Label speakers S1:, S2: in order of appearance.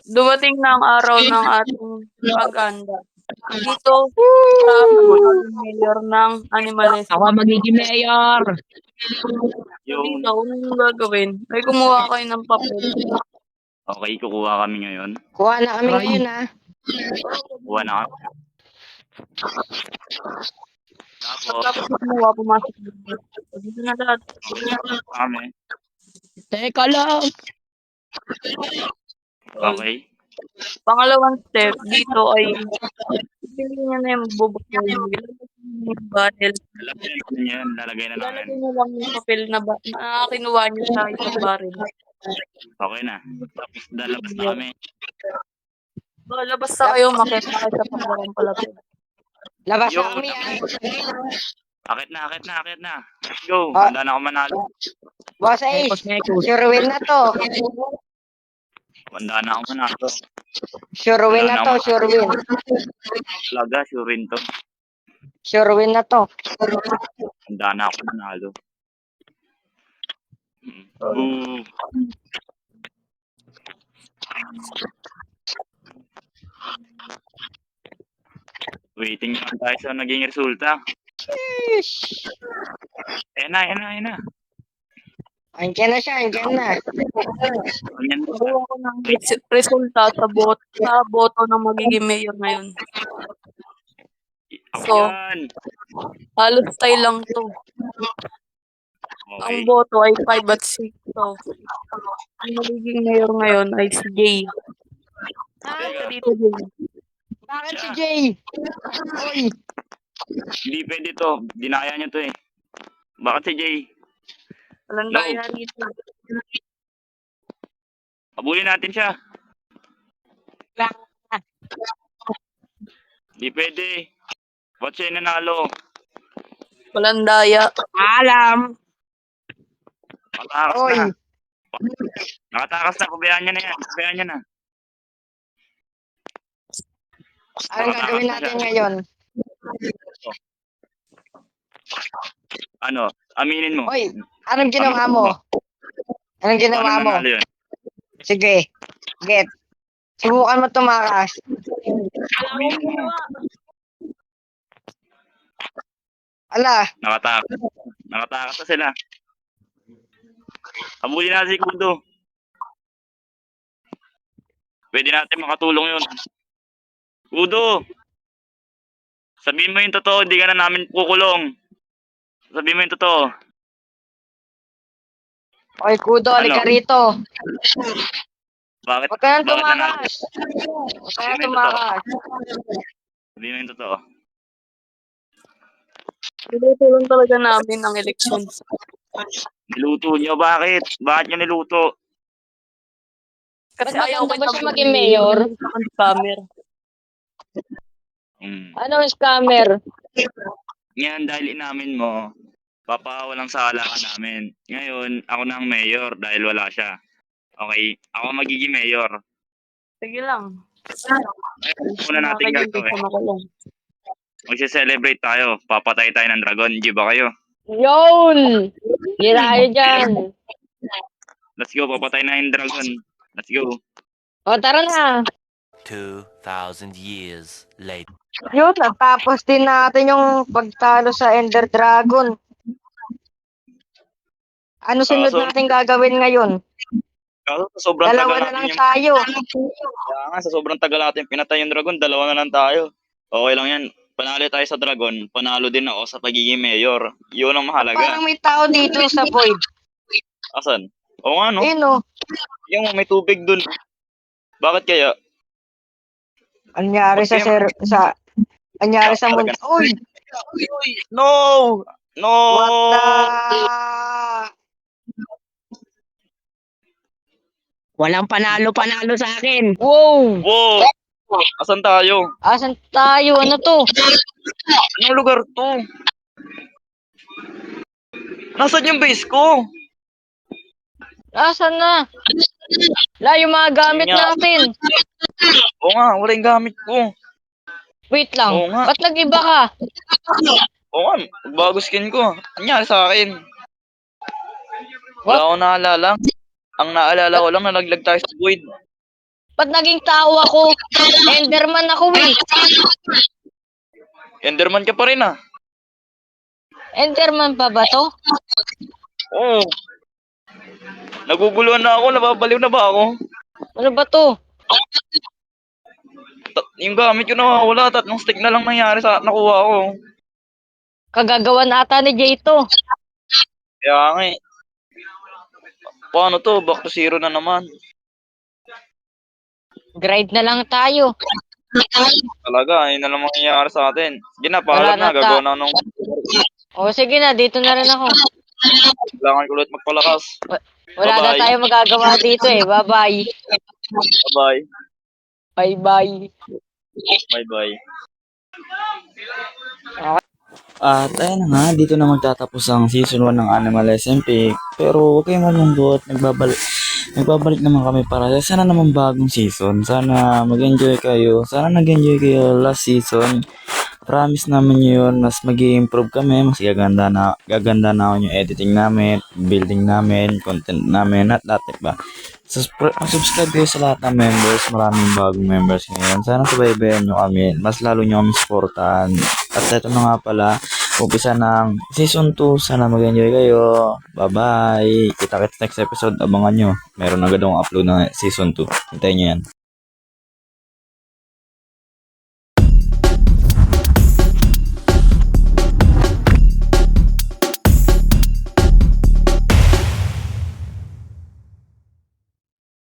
S1: Dumating na ang araw ng ating paghanda. Dito sa magiging mayor ng
S2: Ako
S1: Animalesco.
S2: magiging mayor.
S1: So dito, anong gagawin? Ay kumuha kayo ng papel.
S3: Okay, kukuha kami ngayon.
S4: Kuha na kami
S2: Aray.
S4: ngayon, ha?
S3: Kuha na kami. Tapos,
S1: Tapos kumuha, pumasok dito. Dito na lahat.
S3: kami.
S2: Teka lang.
S3: Okay.
S1: Pangalawang step dito ay pili niya na yung bubok mo yung barrel.
S3: Lalagyan yan. Lalagay na namin.
S1: Lalagay mo lang yung papel na kinuha niyo sa isang barrel.
S3: Okay na. Tapos, lalabas na kami.
S1: Labas na kayo, makita kayo sa pagbarang palapit.
S4: Labas
S3: Yo,
S4: na kami, ha?
S3: Akit na. Let's go.
S4: Ah.
S3: Handa na ako manalo.
S4: Boss Ace,
S2: Mekos.
S4: sure win na to.
S3: Handa na ako manalo.
S4: Sure win na to, sure win.
S3: Talaga, sure rin to.
S4: Sure win na to.
S3: Handa na ako manalo. Boo. Waiting naman tayo sa naging resulta.
S4: Sheesh.
S3: Ayan na.
S4: Andiyan na siya, andiyan na.
S3: Ganyan mo.
S1: Nakuha ko ng resulta sa boto ng magiging mayor ngayon.
S3: Ako
S1: So,
S3: yan.
S1: halos tayo lang to.
S3: Okay.
S1: Ang boto ay 5 at 6. So, ang magiging mayor ngayon ay si Jay.
S3: Teka,
S1: Dito, Jay.
S4: Bakit si Jay? Uy,
S3: hindi pwede to. Dinaya niyo to eh. Bakit si Jay?
S1: Walang
S3: No.
S1: daya rito.
S3: Abulin natin siya. Hindi pwede. Ba't siya yung nanalo?
S1: Walang daya.
S2: Alam.
S3: Nakatakas
S4: Oy.
S3: na. Nakatakas na. Pabayaan niya na yan. Pabayaan niya na.
S4: anong gagawin natin ngayon?
S3: Ano? Aminin mo.
S4: Uy, anong ginawa mo? Anong ginawa
S3: Paano
S4: mo?
S3: nanalo yun?
S4: Sige, get. Subukan mo tumakas.
S3: Aminin mo.
S4: Ala,
S3: Nakatakas. Nakatakas na sila. Abulin natin si Kudo. Pwede natin makatulong yun. Kudo! Sabihin mo yung totoo, hindi ka na namin kukulong. Sabihin mo yung totoo.
S4: oy, Kudo, halika
S3: Ano?
S4: rito.
S3: Bakit?
S4: Huwag ka nang
S3: Bakit nanalo?
S4: tumakas. Huwag ka nang
S3: Sabihin mo yung totoo.
S4: tumakas.
S3: Sabihin mo yung totoo.
S1: Tinutulong talaga namin ang elections.
S3: Niluto nyo, bakit? Bakit nyo niluto?
S1: Kasi
S4: Ba't
S1: ayaw
S4: maganda ba
S1: kita
S4: siya maging mayor?
S1: Scammer.
S4: Anong scammer?
S3: Ngayon, dahil inamin mo, papawalang sala ka namin. Ngayon, ako na ang mayor dahil wala siya. Okay? Ako magiging mayor.
S1: Sige lang.
S3: Una natin gagawin. Magse-celebrate tayo. Papatay tayo ng dragon. Di ba kayo?
S4: Yun! Gira kayo dyan.
S3: Let's go. Papatay na yung dragon. Let's go.
S4: O, tara na.
S5: 2,000 years later.
S4: Yun, natapos din natin yung pagtalo sa Ender Dragon. Ano sunod
S3: so-
S4: natin gagawin ngayon?
S3: Kaso sa sobrang
S4: Dalawa
S3: tagal
S4: na lang
S3: natin
S4: tayo.
S3: Kaya nga, sa sobrang tagal natin pinatay yung dragon, dalawa na lang tayo. Okay lang yan. Panalo tayo sa dragon, panalo din ako sa pagiging mayor. Yun ang mahalaga.
S4: Parang may tao dito sa void.
S3: Asan? Oo nga, no?
S4: Ayun o.
S3: Yung may tubig dun. Bakit kaya?
S4: Anyari sa anyari sa mundo. Uy!
S3: No! No!
S4: What the?
S2: Walang panalo-panalo sa akin.
S4: Wow!
S3: Wow! Asan tayo?
S4: Asan tayo? Ano to?
S3: Anong lugar to? Nasaan yung base ko?
S4: Asan na? La, yung mga gamit
S3: Yun nga.
S4: natin.
S3: Oo nga, wala yung gamit ko.
S4: Wait lang.
S3: Oo nga.
S4: Ba't nag-iba ka?
S3: Oo nga, bago skin ko. Ano nangyari sa akin? Wala akong naalala. Ang naalala ko lang, nalaglag tayo sa void.
S4: Ba't naging tao ako? Enderman ako eh.
S3: Enderman ka pa rin ah.
S4: Enderman pa ba to?
S3: Oo. Naguguluhan na ako, nababaliw na ba ako?
S4: Ano ba to?
S3: Yung gamit ko nawawala, 3 stick na lang nangyari sa nakuha ko.
S4: Kagagawan ata ni Jay to.
S3: Kaya nga eh. Paano to? Back to zero na naman.
S4: Grind na lang tayo.
S3: Talaga, yun na lang mangyayari sa atin. Sige na,
S4: Wala
S3: paalam na.
S4: na
S3: Gagawa na ako ng...
S4: O sige na, dito na rin ako.
S3: Kailangan ko ulit magpalakas.
S4: Wala na
S3: Bye-bye.
S4: tayo magagawa dito eh. Bye-bye.
S3: Bye-bye.
S4: Bye-bye.
S3: Bye-bye.
S6: At ayun na nga, dito na magtatapos ang season 1 ng Animal SMP. Pero huwag kayong malungkot, nagbabalik naman kami para sana naman bagong season. Sana mag-enjoy kayo. Sana nag-enjoy kayo last season. Promise namin yun, mas mag-i-improve kami, mas gaganda na yung editing namin, building namin, content namin, at lahat ba. Subscribe kayo sa lahat ng members, maraming bagong members ngayon. Sana subaybayan nyo kami, mas lalo nyo kami supportahan. At ito na nga pala, umpisa ng season 2, sana mag-enjoy kayo. Bye-bye! Kita-kits next episode, abangan nyo. Meron agad akong upload ng season 2. Hintayin nyo yan.